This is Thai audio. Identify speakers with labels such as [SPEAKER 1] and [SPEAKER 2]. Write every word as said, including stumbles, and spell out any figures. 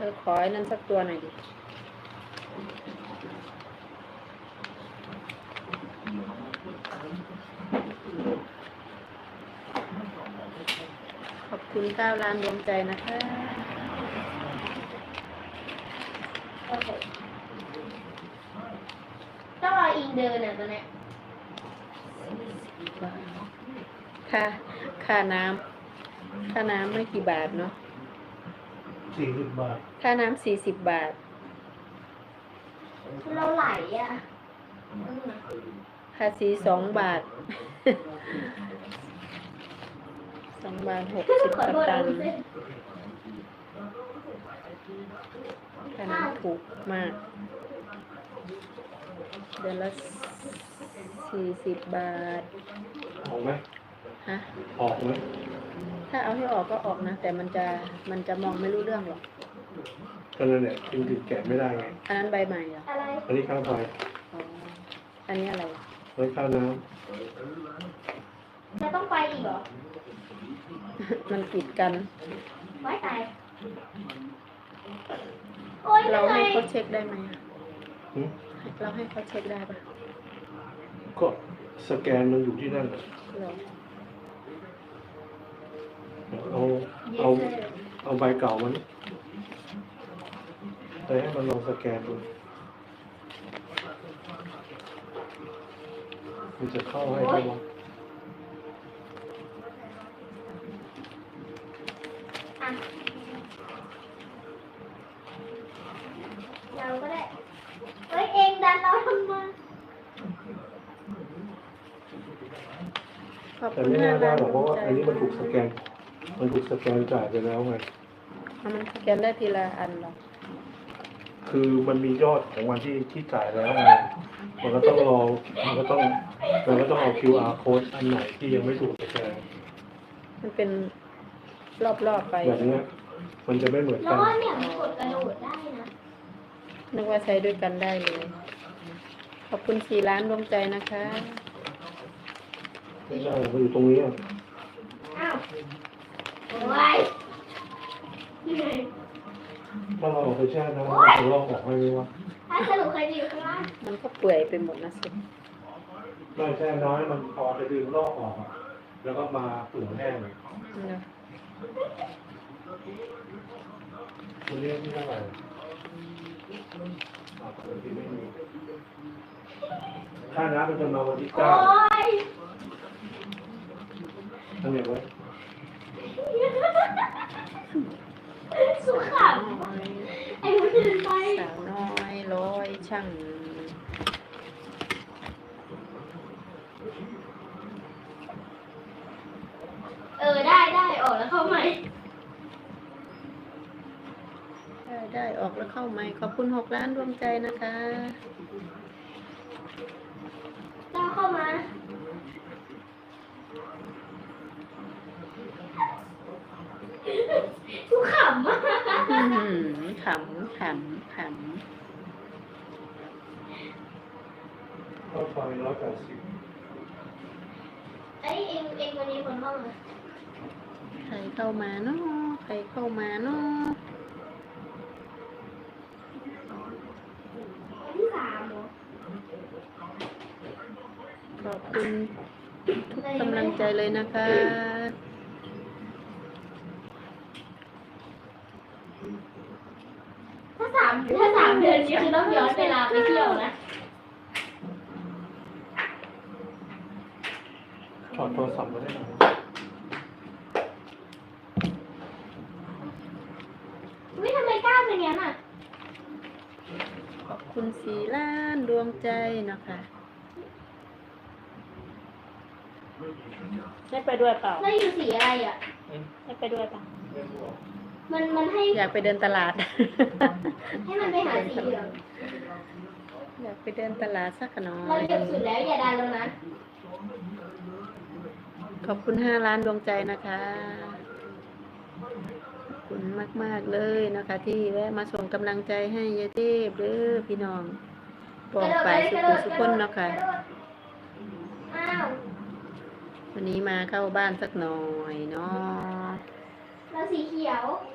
[SPEAKER 1] อขอไอ้นั่นสักตัวหน่อยดิขอบคุณเก้าล้านดวงใจนะคะ
[SPEAKER 2] โอเคต้องรออิงเดินอ่ะตัวเนี้ย
[SPEAKER 1] ค่าค่าน้ำค่าน้ำไม่กี่บาทเนาะ
[SPEAKER 3] สี่สิบบาท
[SPEAKER 1] ค่าน้ำสี่สิบบาท
[SPEAKER 2] เราไหลอ่ะ
[SPEAKER 1] ภาษีสองบาทสองบาทหกสิบสตางค์ค่าน้ำถูกมากเดือนละสี่สิบบาท
[SPEAKER 3] ออกไหม
[SPEAKER 1] ฮะ
[SPEAKER 3] ออกไหม
[SPEAKER 1] ถ้าเอาให้ออกก็ออกนะแต่มันจะมันจะมองไม่รู้เรื่องหรอก
[SPEAKER 3] ก็นั่นแหละจึงถึงแกะไม่ได้ไง
[SPEAKER 1] อันนั้นใบใหม่เหรอ
[SPEAKER 2] อะไร
[SPEAKER 3] อันนี้ข้าวไฟ
[SPEAKER 1] อ๋ออันนี้อะไร
[SPEAKER 3] ไว้ข้าวน้
[SPEAKER 2] ำจะต้องไปอีกเหรอ
[SPEAKER 1] มันกีดกัน
[SPEAKER 2] ไว้ตาย
[SPEAKER 1] เราให้เขาเช็คได้ไหม
[SPEAKER 3] หืม
[SPEAKER 1] เราให้เขาเช็คได้ปะ
[SPEAKER 3] ก็สแกนมันอยู่ที่นั่นเอาเอาเอาใบเก่ามันแต่ให้มันลองสแกนดูมันจะเข้าให้ได้ไหม
[SPEAKER 2] เราก็ได้เฮ้ยเองดันเราทำไม
[SPEAKER 3] แต่ไม่น่าได้หรอกเพราะว่าอันนี้มันถูกสแกนมันถูกสแกนจ่ายไปแล้วไง
[SPEAKER 1] มันสแกนได้ทีละอันหรอ
[SPEAKER 3] คือมันมียอดของวันที่ที่จ่ายแล้วไงมันก็ต้องรอมันก็ต้องมันก็ต้องเอา คิว อาร์ code อันไหนที่ยังไม่ถูกสแกน
[SPEAKER 1] มันเป็นรอบๆไป
[SPEAKER 3] แบบนี้มันจะไม่เหมือนกัน
[SPEAKER 2] แล้วเนี่ยมันกดกระโดดได้นะ
[SPEAKER 1] นึกว่าใช้ด้วยกันได้เลยขอบคุณสี่ล้านดวงใจนะคะ
[SPEAKER 3] ไม่ได้มันอยู่ตรงนี้อ่ะ
[SPEAKER 2] อ้าวโอ้ย
[SPEAKER 3] ถ้าเราเอาไปแช่น้ำมันจะลอกออกให้ไหมวะ
[SPEAKER 2] ถ้าสรุปใครจะอยู่ข้างล่าง
[SPEAKER 1] มันก็เปื่อยไปหมดนะสิ
[SPEAKER 3] ไม่แช่น้อยมันพอจะดึงลอกออกแล้วก็มาเปลือกแห้งเลยคุณเรียกที่เท่าไหร่ค่าน้ำมันจะมาวันที่เก้าทำยังไง
[SPEAKER 2] สุขับไอ้คนเดินไป
[SPEAKER 1] สาวน้อยร้อยช่าง
[SPEAKER 2] เออได้ได้ออกแล้วเข้าไหม
[SPEAKER 1] ได้ได้ออกแล้วเข้าไหมขอบคุณหกล้านดวงใจนะคะ
[SPEAKER 2] ต้องเข้ามาทุกขำมาก
[SPEAKER 1] ขำขำขำ
[SPEAKER 3] เข้าไฟร้อยแปดสิบ
[SPEAKER 2] ไอ้เองเองวันนี้คนเข้ามา
[SPEAKER 1] ใครเข้ามาเนาะใครเข้ามาเนาะ
[SPEAKER 2] วันที่สามเหรอ
[SPEAKER 1] ขอบคุณทุกกำลังใจเลยนะคะ
[SPEAKER 2] ถ้าสามถ้าสามเดือนนี้คือต้องย้อนเวลาไปเที่ยวนะ
[SPEAKER 3] ถอดโทรศัพท์มาได้ไหม
[SPEAKER 2] วิทำไมกล้าเป็นอย่างนั้นอ่ะ
[SPEAKER 1] ขอบคุณสี่ล้านดวงใจนะคะได้ไปด้วยเปล่า
[SPEAKER 2] แล้วอยู่สีอะไรอ่ะ
[SPEAKER 1] ได้ไปด้วยเปล่า
[SPEAKER 2] มันมันให้
[SPEAKER 1] อยากไปเดินตลาด
[SPEAKER 2] ให้มันไปหาสีเหลือง
[SPEAKER 1] อยากไปเดินตลาดสักหน่อย
[SPEAKER 2] เราเหยียบสุดแล้วอย่าดันลงนะ
[SPEAKER 1] ขอบคุณห้าล้านดวงใจนะคะขอบคุณมากๆเลยนะคะที่แวะมาส่งกำลังใจให้ยายเทพเด้อพี่น้องบอกไปสุขุสุขคนเนาะค่ะวันนี้มาเข้าบ้านสักหน่อยเนาะ
[SPEAKER 2] เราสีเขียว